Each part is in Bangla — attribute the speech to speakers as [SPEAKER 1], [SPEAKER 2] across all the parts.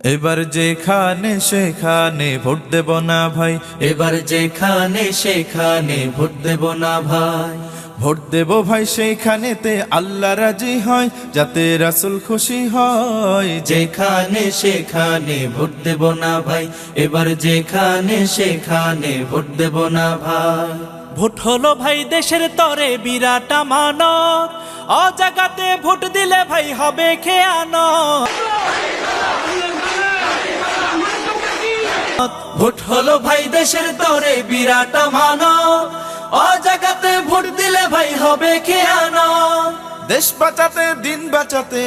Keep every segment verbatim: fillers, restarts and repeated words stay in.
[SPEAKER 1] এবার যেখানে সেখানে ভোট দেব না ভাই,
[SPEAKER 2] এবার যেখানে সেখানে ভোট দেব না ভাই।
[SPEAKER 1] ভোট দেব ভাই সেইখানেতে আল্লাহ রাজি হয়, যাতে রাসূল খুশি হয়।
[SPEAKER 2] যেখানে সেখানে ভোট দেব না ভাই, এবার যেখানে সেখানে ভোট দেব না ভাই।
[SPEAKER 3] ভোট হলো ভাই দেশের তরে বিরাট আমানত, অজাগাতে ভোট দিলে ভাই হবে খেয়ানত।
[SPEAKER 2] ভোট হলো ভাই দেশের তরে বিরাট আমানত, অজাগাতে ভোট দিলে ভাই হবে খেয়ানত।
[SPEAKER 1] দেশ বাঁচাতে দিন বাঁচাতে,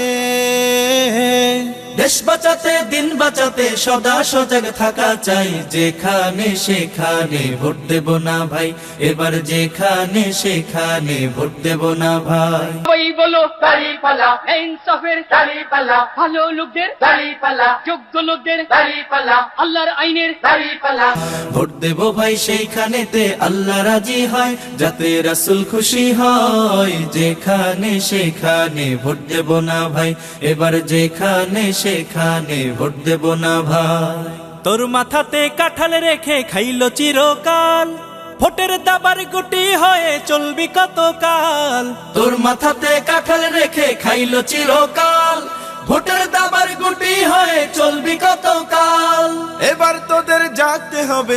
[SPEAKER 2] দেশ বাঁচাতে দিন বাঁচাতে সদা সজাগ থাকা চাই। যেখানে সেখানে ভোট দেব না ভাই, এবার যেখানে সেখানে ভোট দেব না ভাই।
[SPEAKER 4] ওই বলো দাঁড়িপাল্লা, ইনসাফের দাঁড়িপাল্লা, ভালো লোকদের দাঁড়িপাল্লা, যোগ্য লোকদের দাঁড়িপাল্লা, আল্লাহর আইনের দাঁড়িপাল্লা।
[SPEAKER 2] ভোট দেব ভাই সেইখানেতে আল্লাহ রাজি হয়, যাতে রাসূল খুশি হয়। যেখানে সেখানে ভোট দেব না ভাই, এবার যেখানে সেখানে ভোট দেব না ভাই।
[SPEAKER 3] তোর মাথাতে কাঁঠাল রেখে খাইলো চিরকাল, ভোটের দাবার গুটি হয়ে চলবি কতকাল।
[SPEAKER 2] তোর মাথাতে কাঁঠাল রেখে খাইলো চিরকাল, ভোটের দাবার গুটি হয়ে চলবি কতকাল।
[SPEAKER 1] এবার তোদের জাগতে হবে,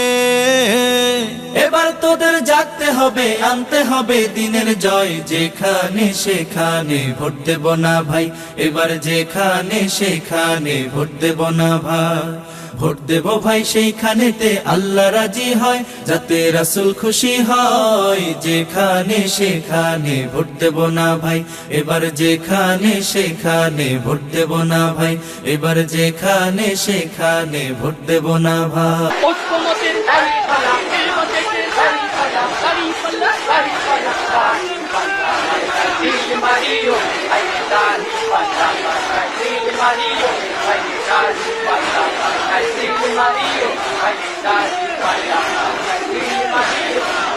[SPEAKER 2] এবার তোদের জাগতে হবে, আনতে হবে দিনের জয়। যেখানে সেখানে ভোট দেব না ভাই, এবার যেখানে সেখানে ভোট দেব না ভাই। ভোট দেব ভাই সেইখানেতে আল্লাহ রাজি হয়, যাতে রাসূল খুশি হয়। যেখানে সেখানে ভোট দেব না ভাই, এবার যেখানে সেখানে ভোট দেব না ভাই, এবার যেখানে সেখানে ভোট দেব না ভাই।
[SPEAKER 4] ঐক্যমতের দাঁড়িপাল্লা, নির্বাচনের দাঁড়িপাল্লা, দাঁড়িপাল্লা, দাঁড়িপাল্লা, দাঁড়িপাল্লা। দিল মারিও, আই দাঁড়িপাল্লা, দিল মারিও, আই দাঁড়িপাল্লা, দিল মারিও, আই দাঁড়িপাল্লা, দিল মারিও।